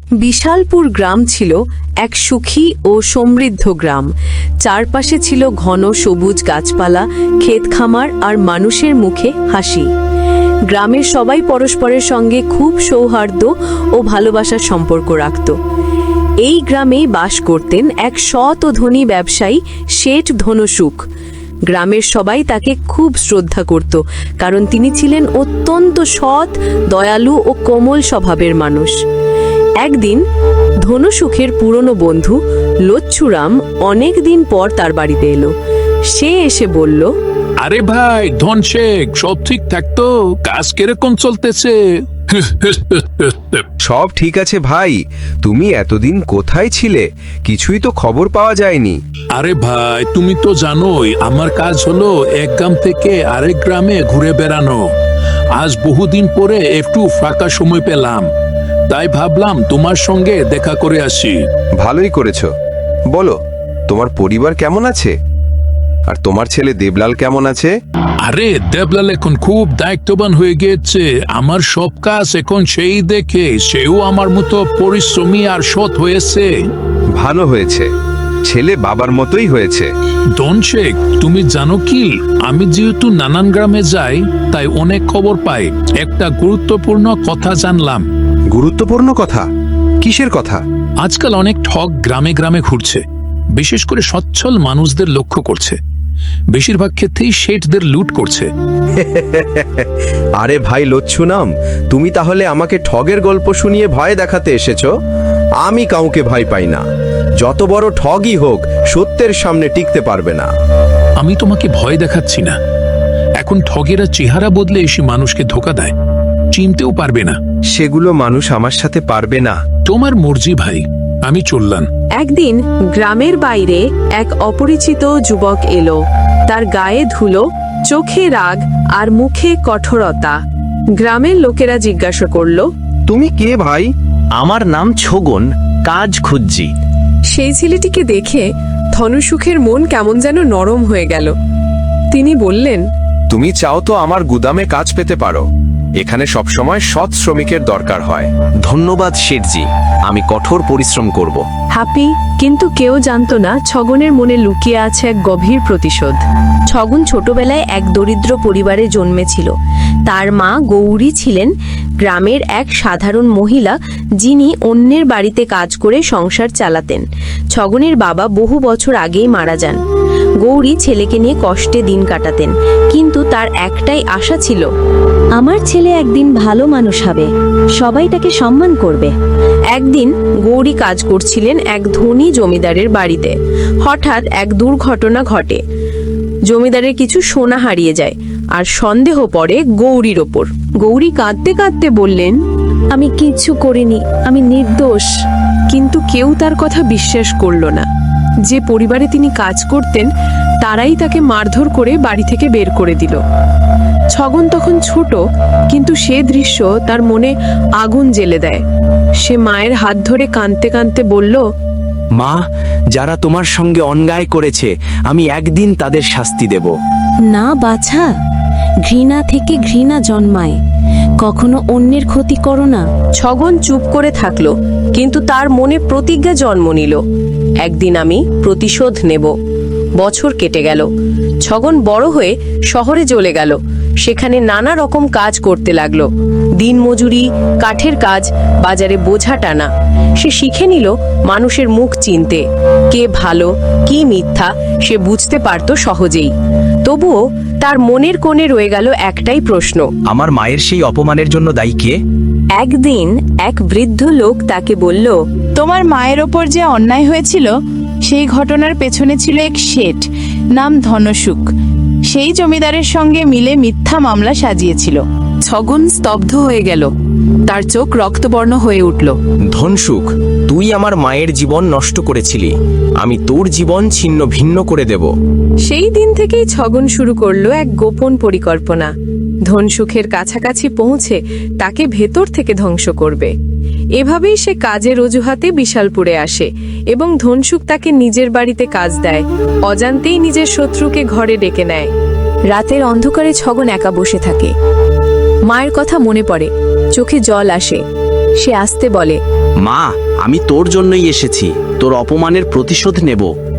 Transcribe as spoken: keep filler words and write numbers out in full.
বিশালপুর গ্রাম ছিল এক সুখী ও সমৃদ্ধ গ্রাম। চারপাশে ছিল ঘন সবুজ গাছপালা, ক্ষেত খামার আর মানুষের মুখে হাসি। গ্রামের সবাই পরস্পরের সঙ্গে খুব সৌহার্দ্য ও ভালোবাসার সম্পর্ক রাখত। এই গ্রামেই বাস করতেন এক সৎ ও ধনী ব্যবসায়ী শেঠ ধনসুখ। গ্রামের সবাই তাকে খুব শ্রদ্ধা করত, কারণ তিনি ছিলেন অত্যন্ত সৎ, দয়ালু ও কোমল স্বভাবের মানুষ। একদিন ধনসুখের পুরনো বন্ধু লচ্ছুরাম অনেক দিন পর তার বাড়িতে এলো। সে এসে বলল, আরে ভাই ধনশেখ, সব ঠিক থাকতো? কাজ কিরকম চলতেছে? সব ঠিক আছে ভাই, তুমি এতদিন কোথায় ছিলে? কিছুই তো খবর পাওয়া যায়নি। আরে ভাই, তুমি তো জানোই আমার কাজ হলো এক গ্রাম থেকে আরেক গ্রামে ঘুরে বেড়ানো। আজ বহুদিন পরে একটু ফাঁকা সময় পেলাম, তাই ভাবলাম তোমার সঙ্গে দেখা করে আসি। ভালোই করেছো। বলো, তোমার পরিবার কেমন আছে? আর তোমার ছেলে দেবলাল কেমন আছে? আরে দেবলাল এখন খুব দায়িত্ববান হয়ে গিয়েছে। আমার সব কাজ এখন সেই দেখে। সেও আমার মতো পরিশ্রমী আর সৎ হয়েছে। ভালো হয়েছে, ছেলে বাবার মতোই হয়েছে। ধনশেখ, তুমি জানো কি, আমি যেহেতু নানান গ্রামে যাই, তাই অনেক খবর পাই। একটা গুরুত্বপূর্ণ কথা জানলাম। গুরুত্বপূর্ণ কথা? কিসের কথা? আজকাল অনেক ঠগ গ্রামে গ্রামে ঘুরছে, বিশেষ করে সচ্ছল মানুষদের লক্ষ্য করছে। বেশিরভাগ ক্ষেত্রেই শেঠদের লুট করছে। আরে ভাই লচ্ছুনাম, তুমি তাহলে আমাকে ঠগের গল্প শুনিয়ে ভয় দেখাতে এসেছো? আমি কাউকে ভয় পাই না। যত বড় ঠগই হোক, সত্যের সামনে টিকতে পারবে না। আমি তোমাকে ভয় দেখাচ্ছি না। এখন ঠগেরা চেহারা বদলে এসে মানুষকে ধোকা দেয়, চিনতেও পারবে না। সেগুলো মানুষ আমার সাথে পারবে না। তোমার মর্জি ভাই, আমি চললাম। একদিন গ্রামের বাইরে এক অপরিচিত যুবক এলো। তার গায়ে ধুলো, চোখে রাগ আর মুখে কঠোরতা। গ্রামের লোকেরা জিজ্ঞাসা করল, তুমি কে ভাই? আমার নাম ছগন, কাজ খুঁজছি। সেই ছেলেটিকে দেখে ধনসুখের মন কেমন যেন নরম হয়ে গেল। তিনি বললেন, তুমি চাও তো আমার গুদামে কাজ পেতে পারো। এখানে সবসময় সৎ শ্রমিকের দরকার হয়। ধন্যবাদ শেঠজি, আমি কঠোর পরিশ্রম করব। হ্যাপি। কিন্তু কেউ জানতো না ছগনের মনে লুকিয়ে আছে এক গভীর প্রতিশোধ। ছগন ছোটবেলায় এক দরিদ্র পরিবারে জন্মেছিল। তার মা গৌরী ছিলেন গ্রামের এক সাধারণ মহিলা, যিনি অন্যের বাড়িতে কাজ করে সংসার চালাতেন। ছগনের বাবা বহু বছর আগেই মারা যান। গৌরী ছেলেকে নিয়ে কষ্টে দিন কাটাতেন, কিন্তু তার একটাই আশা ছিল, আমার ছেলে একদিন ভালো মানুষ হবে, সবাই তাকে সম্মান করবে। একদিন গৌরী কাজ করছিলেন এক ধনী জমিদারের বাড়িতে। হঠাৎ এক দুর্ঘটনা ঘটে। জমিদারের কিছু সোনা হারিয়ে যায় আর সন্দেহ পড়ে গৌরীর ওপর। গৌরী কাঁদতে কাঁদতে বললেন, আমি কিচ্ছু করিনি, আমি নির্দোষ। কিন্তু কেউ তার কথা বিশ্বাস করল না। যে পরিবারে তিনি কাজ করতেন, তারাই তাকে মারধর করে বাড়ি থেকে বের করে দিল। ছগন তখন ছোট, কিন্তু সে দৃশ্য তার মনে আগুন জ্বেলে দেয়। সে মায়ের হাত ধরে কাঁদতে কাঁদতে বলল, মা, যারা তোমার সঙ্গে অন্যায় করেছে, আমি একদিন তাদের শাস্তি দেব। না বাছা, ঘৃণা থেকে ঘৃণা জন্মায়, কখনো অন্যের ক্ষতি করো না। ছগন চুপ করে থাকলো, কিন্তু তার মনে প্রতিজ্ঞা জন্ম নিল, একদিন আমি প্রতিশোধ নেব। বছর কেটে গেল। ছগন বড় হয়ে শহরে চলে গেল। সেখানে নানা রকম কাজ করতে লাগলো। দিনমজুরি, কাঠের কাজ, বাজারে বোঝা টানা। সে শিখে নিল মানুষের মুখ চিনতে, কে ভালো কি মিথ্যা সে বুঝতে পারত সহজেই। তবুও তার মনের কোণে রয়ে গেল একটাই প্রশ্ন, আমার মায়ের সেই অপমানের জন্য দায়ী কে? একদিন এক বৃদ্ধ লোক তাকে বলল, তোমার মায়ের ওপর যে অন্যায় হয়েছিল, সেই ঘটনার পেছনে ছিল এক শেঠ, নাম ধনসুখ। সেই জমিদারের সঙ্গে মিলে মিথ্যা মামলা সাজিয়েছিল। ছগন স্তব্ধ হয়ে গেল। তার চোখ রক্তবর্ণ হয়ে উঠল। ধনসুখ, তুই আমার মায়ের জীবন নষ্ট করেছিলি, আমি তোর জীবন ছিন্ন ভিন্ন করে দেব। সেই দিন থেকেই ছগন শুরু করলো এক গোপন পরিকল্পনা। ধনসুখের কাছাকাছি পৌঁছে তাকে ভেতর থেকে ধ্বংস করবে। এভাবেই সে কাজের অজুহাতে বিশালপুরে আসে এবং ধনসুখ তাকে নিজের বাড়িতে কাজ দেয়। অজান্তেই নিজের শত্রুকে ঘরে ডেকে নেয়। রাতের অন্ধকারে ছগন একা বসে থাকে। মায়ের কথা মনে পড়ে, চোখে জল আসে। সে আস্তে বলে, মা, আমি তোর জন্যই এসেছি, তোর অপমানের প্রতিশোধ নেব।